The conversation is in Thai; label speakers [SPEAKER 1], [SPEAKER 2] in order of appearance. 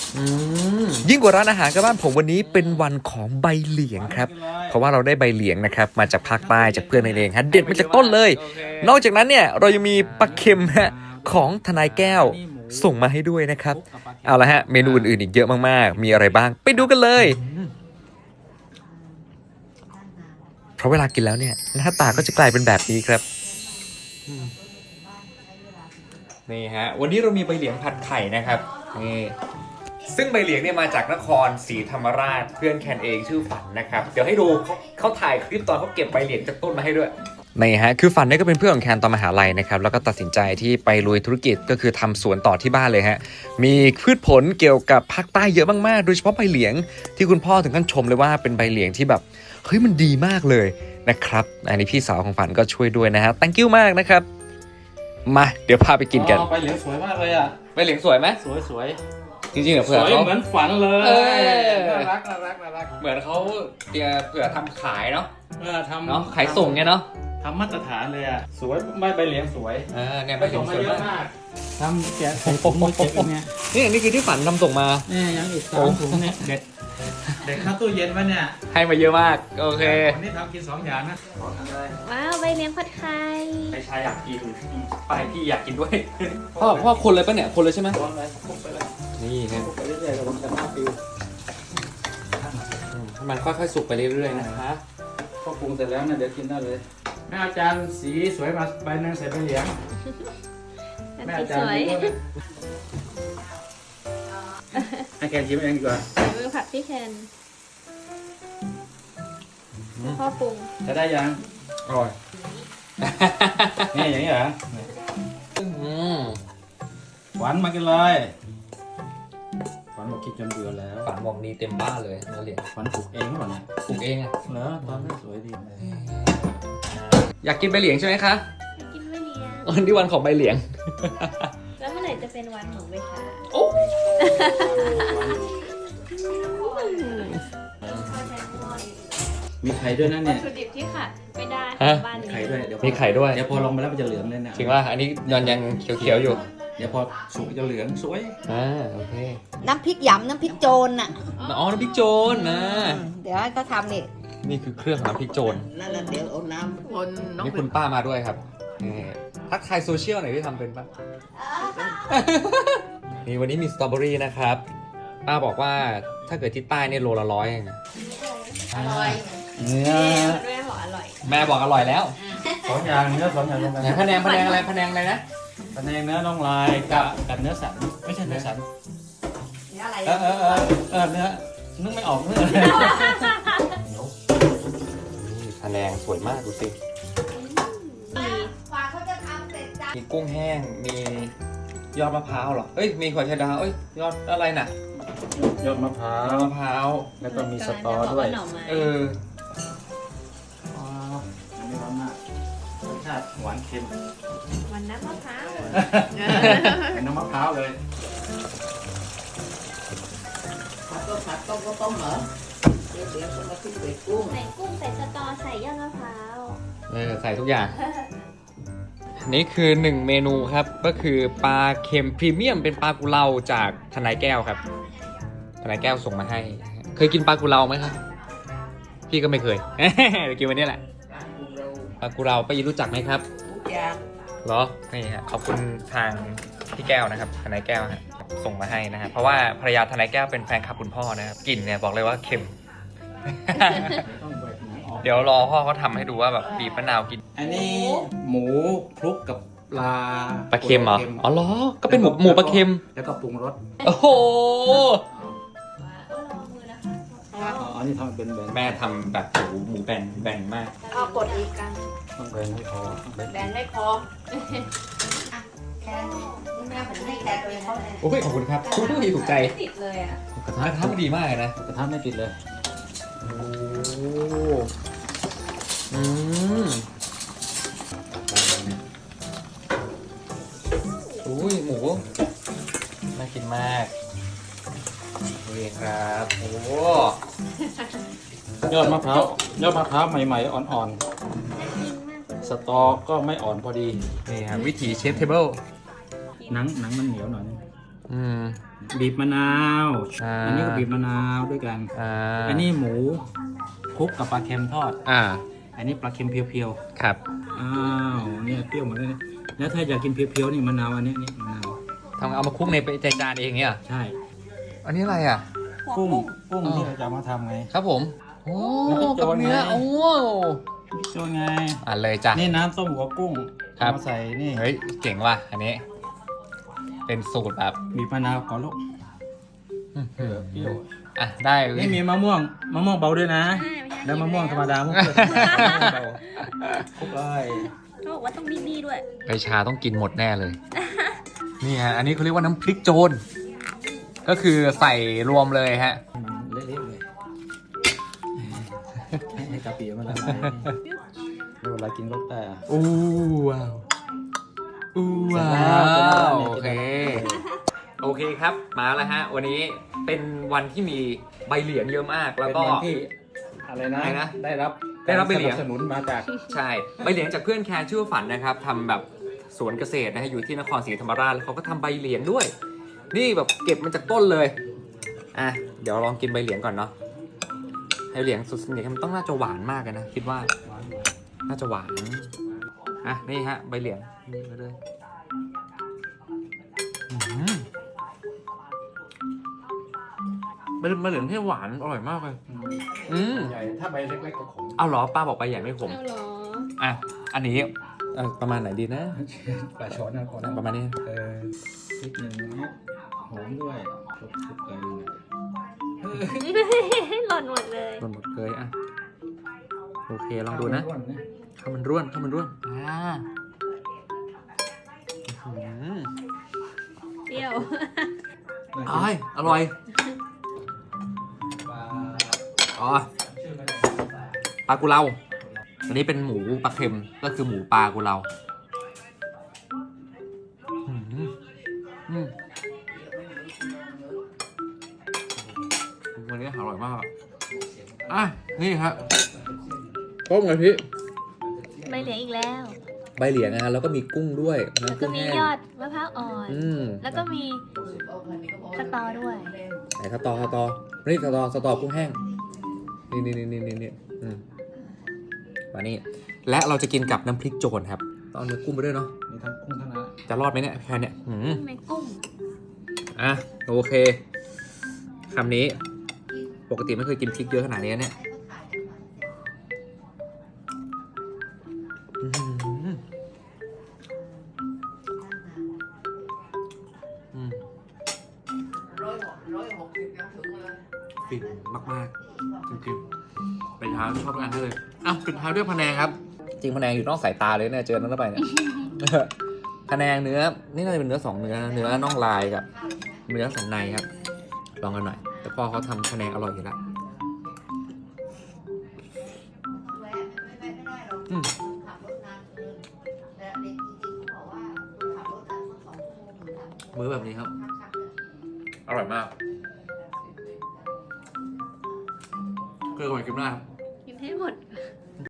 [SPEAKER 1] ยิ่งกว่าร้านอาหารกับบ้านผมวันนี้เป็นวันของใบเหลียงครับเพราะว่าเราได้ใบเหลียงนะครับมาจากภาคใต้จากเพื่อนเองฮะเด็ดมาจากต้นเลยนอกจากนั้นเนี่ยเรายังมีปลาเค็มฮะของทนายแก้วส่งมาให้ด้วยนะครับเอาละฮะเมนูอื่นๆอีกเยอะมากๆมีอะไรบ้างไปดูกันเลยเพราะเวลากินแล้วเนี่ยหน้าตาก็จะกลายเป็นแบบนี้ครับนี่ฮะวันนี้เรามีใบเหลียงผัดไข่นะครับนี่ซึ่งใบเหลียงเนี่ยมาจากนครศรีธรรมราชเพื่อนแคนเองชื่อฝันนะครับเดี๋ยวให้ดูเขาถ่ายคลิปตอนเขาเก็บใบเหลียงจากต้นมาให้ด้วยนี่ฮะคือฝันเนี่ยก็เป็นเพื่อนของแคนตอนมหาลัยนะครับแล้วก็ตัดสินใจที่ไปลุยธุรกิจก็คือทำสวนต่อที่บ้านเลยฮะมีพืชผลเกี่ยวกับภาคใต้เยอะมากๆโดยเฉพาะใบเหลียงที่คุณพ่อถึงขั้นชมเลยว่าเป็นใบเหลียงที่แบบเฮ้ยมันดีมากเลยนะครับอันนี้พี่สาวของฝันก็ช่วยด้วยนะฮะ thank you มากนะครับมาเดี๋ยวพาไปกินกัน
[SPEAKER 2] ใบเหลียงสวยมากเลยอ่ะ
[SPEAKER 1] ใบเหลียงสวยไหม
[SPEAKER 2] สวย
[SPEAKER 1] จริงๆเหรอเผื่อ
[SPEAKER 2] เขาเหมือนฝันเลยน่ารัก
[SPEAKER 1] เหมือนเขาเผื่อทำขายเนาะ
[SPEAKER 2] ทำ
[SPEAKER 1] เนาะขายส่งไงเนาะ
[SPEAKER 2] ทำมาตรฐานเลยอ่ะสวยใบเหลียงสวย
[SPEAKER 1] เนี่ยใบเหลียงสวยมาก
[SPEAKER 2] ทำแกะใส่ถุงมาเก็บเนี่ย
[SPEAKER 1] นี่คือที่ฝันทำส่งมา
[SPEAKER 2] เนี่ยยังอีก3 ถุงเนี่ยเด็กเข้าตู้เย็นไว้เนี่ย
[SPEAKER 1] ให้มาเยอะมากโอเค
[SPEAKER 2] วันนี้ทำกิน2 อย่างนะ
[SPEAKER 3] ว้าวใบเลี้ยงผัดไข่
[SPEAKER 1] ไปชายอยากกินไปพี่อยากกินด้วยพ่อคนเลยปะเนี่ยคนเลยใช่ไหม
[SPEAKER 2] คนเลยคลุกไปเลย
[SPEAKER 1] นี่ฮะ
[SPEAKER 2] คลุกไปเรื่อยๆระวังจะหน้าปิว
[SPEAKER 1] มันค่อยๆสุกไปเรื่อยๆนะคะ
[SPEAKER 2] พอปรุงเสร็จแล้วเนี่ยเดี๋ยวกินได้เลยแม่อาจารย์สีสวยมาใบนึงใส่ใบเหลียง
[SPEAKER 3] แม่อาจารย์
[SPEAKER 2] ให้แกชิมเองดีกว่า
[SPEAKER 3] มือผัดพี่แคนพ่อปรุง
[SPEAKER 2] จะได้ยังอร่อยนี่อย่างนี้เหรอหวานมากินเลยฝันบอกกินจนเบื่อแล้ว
[SPEAKER 1] ฝันบอกดีเต็มบ้านเลยนักเรียน
[SPEAKER 2] ฝันปลูกเองหรือเปล่าเนี่ย
[SPEAKER 1] ปลูกเองอ่ะ
[SPEAKER 2] เหรอตอนนั้นสวยดี
[SPEAKER 1] อยากกินใบเหลียงใช่ไหมคะ
[SPEAKER 3] อยากกินใบเหลียง
[SPEAKER 1] วันที่วันของใบเหลียง
[SPEAKER 3] แล้วเมื่อไหร่จะเป็นวันของใบชา
[SPEAKER 2] มีไข่ด้วยนะเนี่ย
[SPEAKER 3] วัตถุดิบที่ขาดไม่ได้บ้านนี้
[SPEAKER 2] ไข่ด้วย
[SPEAKER 1] มีไข่ด้วย
[SPEAKER 2] เดี๋ยวพอลงไปแล้วมันจะเหลืองเลยนะ
[SPEAKER 1] จริงว่าอันนี้ยังเขียวๆอยู่
[SPEAKER 2] เดี๋ยวพอสุกจะเหลืองสวย
[SPEAKER 1] โอเค
[SPEAKER 4] น้ำพริกหยำน้ำพริกโจรน่ะ
[SPEAKER 1] น้ำพริกโจรนะ
[SPEAKER 4] เดี๋ยวให้เขาทำ
[SPEAKER 1] นี่คือเครื่องน้ำพริกโจร
[SPEAKER 4] นั่นเดี๋ยวเอาน้ำคน
[SPEAKER 1] นี่คุณป้ามาด้วยครับทักทายโซเชียลหน่อยที่ทำเป็นป่ะนี่วันนี้มีสตรอเบอรี่นะครับป้าบอกว่าถ้าเกิดที่ใต้เนี่ยโลละ100เอง
[SPEAKER 3] อร่อย
[SPEAKER 2] เนื้อ
[SPEAKER 3] แม่บอกอร่อย
[SPEAKER 1] แม่บอกอร่อยแล้ว
[SPEAKER 2] 2 อย่างเนื้อ2 อย่างลงไป
[SPEAKER 1] พะแนงอะไรพะแนงอะไรนะ
[SPEAKER 2] พะแนงเนื้อน่องลายกับเนื้อสันไม่ใช่เนื้อสัน
[SPEAKER 4] เนื้ออะไร
[SPEAKER 2] เนื้อนึกไม่ออกเนื้อ
[SPEAKER 1] พะแนงสวยมากดูสิมีกุ้งแห้งมียอดมะพร้าวเหรอเอ้ยมีขวดชาดาเอ้ยยอดอะไรน่ะ
[SPEAKER 2] ยอดมะพร้าวแล้วก็มีสตอด้วย
[SPEAKER 1] อัน
[SPEAKER 2] นี้ร้อนมากรสชาติหวานเค็ม
[SPEAKER 3] วันน้ำมะพร้าว
[SPEAKER 2] เป็นน้ำมะพร้าวเลย
[SPEAKER 4] ผัดต้มก็ต้มเหรอเดี๋ยวคนละที่ใส่กุ้ง
[SPEAKER 3] ใส่สตอใส่ยอดมะพร้าว
[SPEAKER 1] ใส่ทุกอย่างนี่คือ1เมนูครับก็คือปลาเค็มพรีเมียมเป็นปลากุเลาจากทนายแก้วครับทนายแก้วส่งมาให้เคยกินปลากุเลาไหมครับพี่ก็ไม่เคยเดี๋ยวกินวันนี้แหละปลากุเลาป้ายีรู้จักไหมครับเหรอนี่ฮะขอบคุณทางพี่แก้วนะครับทนายแก้วฮะส่งมาให้นะฮะเพราะว่าภรรยาทนายแก้วเป็นแฟนคลับคุณพ่อนะครับกลิ่นเนี่ยบอกเลยว่าเค็มเดี๋ยวรอพ่อเขาทำให้ดูว่าแบบบีบมะนาวกิน
[SPEAKER 2] อันนี้หมูคลุกกับปลา
[SPEAKER 1] เค็มเหรออ๋อเหรอก็เป็นหมูปลาเค็ม
[SPEAKER 2] แล้วก็ปรุงรส
[SPEAKER 1] โอ้โห
[SPEAKER 2] อันนี้ทำเป็นแบน
[SPEAKER 1] แม่ทำแบบหมูแบนมาก
[SPEAKER 3] เอากดอีกกัน
[SPEAKER 2] ต้องแบนให้พอ
[SPEAKER 3] แบนไม่พอ
[SPEAKER 4] แค่แม่ผมให้แค่ตัวเองเขาเลย
[SPEAKER 1] โอ้ยขอบคุณครับถูกใจ
[SPEAKER 3] ติดเลยอ่ะ
[SPEAKER 1] กระทะดีมากเลยนะ
[SPEAKER 2] กระทะไม่ติดเลย
[SPEAKER 1] อุ้ยหมูน่ากินมากนี่ครับโอ้
[SPEAKER 2] ยอดมะพร้าวใหม่ๆอ่อนๆสตอก็ไม่อ่อนพอดี
[SPEAKER 1] นี่ครับวิถีเชฟเทเบิล
[SPEAKER 2] หนังมันเหนียวหน่อย
[SPEAKER 1] อืม
[SPEAKER 2] บีบมะนาว
[SPEAKER 1] อ่า
[SPEAKER 2] อันนี้ก็บีบมะนาวด้วยกัน อันนี้หมูคลุกกับปลาเค็มทอด อันนี้ปลาเค็มเพียว
[SPEAKER 1] ครับ
[SPEAKER 2] ๆ อ้าวเนี่ยเปรี้ยวหมดเลยนะแล้วถ้าอยากกินเพียวๆนี่มะนาวอันนี้นี่มะนาว
[SPEAKER 1] ทำเอามาคลุกในจานเองเนี่ย
[SPEAKER 2] ใช่
[SPEAKER 1] อันนี้อะไรอ่ะ
[SPEAKER 2] กุ้ง
[SPEAKER 1] อ๋อ
[SPEAKER 2] ที่เราจะเอามาทำไง
[SPEAKER 1] ครับผม โอ้
[SPEAKER 2] แล้วก็โจ
[SPEAKER 1] กับ
[SPEAKER 2] ร
[SPEAKER 1] เนื้อ
[SPEAKER 2] ไง
[SPEAKER 1] โอ้
[SPEAKER 2] บิ๊กโจไง
[SPEAKER 1] อ่ะเลยจ้ะ
[SPEAKER 2] นี่น้ำต้มหัวกุ้ง
[SPEAKER 1] ครับ
[SPEAKER 2] เอามาใส่นี่
[SPEAKER 1] เฮ้ย เจ๋งว่ะ อันนี้ เป็นสูตรแบบ
[SPEAKER 2] บีบมะนาวก่อนลูกเปรี้ยว
[SPEAKER 1] อ่ะ ได้
[SPEAKER 2] นี่มีมะม่วงเบาด้วยนะ แล้วมะม่วงธรรมดามะม่วงเบาคลุกเลย
[SPEAKER 3] เขาบอกว่าต้องมีด้วย
[SPEAKER 1] ไปชาต้องกินหมดแน่เลย นี่ฮะ อันนี้เขาเรียกว่าน้ำพริกโจร ก็คือใส่รวมเลยฮะ
[SPEAKER 2] มันเละๆเลยให้กะปิมันละลายเวลากินก็ได้อะ
[SPEAKER 1] อู้ว้าวอู้ว้า
[SPEAKER 2] เสร็จแล้ว
[SPEAKER 1] วโอเค โอเคครับ มาแล้วฮะ วันนี้เป็นวันที่มีใบเหลียงเยอะมาก แล้วก็
[SPEAKER 2] เป็นวันที่อะไรนะ
[SPEAKER 1] อะไรนะ
[SPEAKER 2] ได้รับ
[SPEAKER 1] ได้รับใบเหลียง
[SPEAKER 2] สนับสนุนมาจาก
[SPEAKER 1] ใช่ใบเหลียงจากเพื่อนแคนชื่อว่าฝันนะครับทำแบบสวนเกษตรนะฮะอยู่ที่นครศรีธรรมราชแล้วเขาก็ทำใบเหลียงด้วย นี่แบบเก็บมันจากต้นเลยอ่ะเดี๋ยวลองกินใบเหลียงก่อนเนาะใบเหลียงสุดสนิทมันต้องน่าจะหวานมากเลยนะคิดว่าน่าจะหวานอ่ะนี่ฮะใบเหลียงนี่มาเลยใบเหลียงที่หวานอร่อยมากเลย
[SPEAKER 2] ใหญ่ถ้าใบเล็กๆก็ขม
[SPEAKER 1] เอาเหรอป้าบอกใบใหญ่ไม่ขม
[SPEAKER 3] เอาเหรอ
[SPEAKER 1] อ่ะอันนี้ประมาณไหนดีนะ
[SPEAKER 2] ปลาช้อนนะก่อนนะ
[SPEAKER 1] ประมาณนี้
[SPEAKER 2] พริกหนึ่งเม็ดหอมด้วยคลุกๆกัน
[SPEAKER 3] หล่นหมดเลย
[SPEAKER 1] หมดเลยอ่ะโอเคลองดูนะ
[SPEAKER 2] ร่วน
[SPEAKER 1] ข้าวมันร่วนข้าวมันร่วนอื้อหือ
[SPEAKER 3] เปรี้ยว
[SPEAKER 1] อร่อยอ๋อปลากุเลาอันนี้เป็นหมูปลาเค็มก็คือหมูปลากุเลาวันนี้อร่อยมากอ่ะนี่ครับต้มกะทิ
[SPEAKER 3] ใบเหลียงอีกแล้ว
[SPEAKER 1] ใบเหลียงนะแล้วก็มีกุ้งด้วย
[SPEAKER 3] แล้วก็มียอดมะพร้าวอ่อน แล้วก็มีสตอด้วย
[SPEAKER 1] ไหนสตอนี่สตอกุ้งแห้งนี่มานี่และเราจะกินกับน้ำพริกโจรครับต้องเอาเนื้อกุ้งไปด้วยเนาะ
[SPEAKER 2] มีทั้งกุ้งทั้งนั้น
[SPEAKER 1] จะรอดไหมเนี่ยแค่เนี้ย
[SPEAKER 3] ในกุ้ง
[SPEAKER 1] อ่ะโอเคคำนี้ปกติไม่เคยกินพริกเยอะขนาดนี้เนี่ยฟินมากๆจริงๆไปทานชอบงานได้เลยอ้าวปิดท้ายด้วยพะแนงครับ จริงพะแนงอยู่นอกสายตาเลยเนี่ยเจอนั้นเข้าไปเนี่ย พะแนงเนื้อนี่น่าจะเป็นเนื้อ2เนื้อเนื้อน่องลายกับเนื้อสันในครับลองกันหน่อยแต่พ่อเขาทำพะแนงอร่อยอยู่แล้วมื้อแบบนี้ครับอร่อยมากเกลือก่อนกินได้ครับ
[SPEAKER 3] กินให้หมด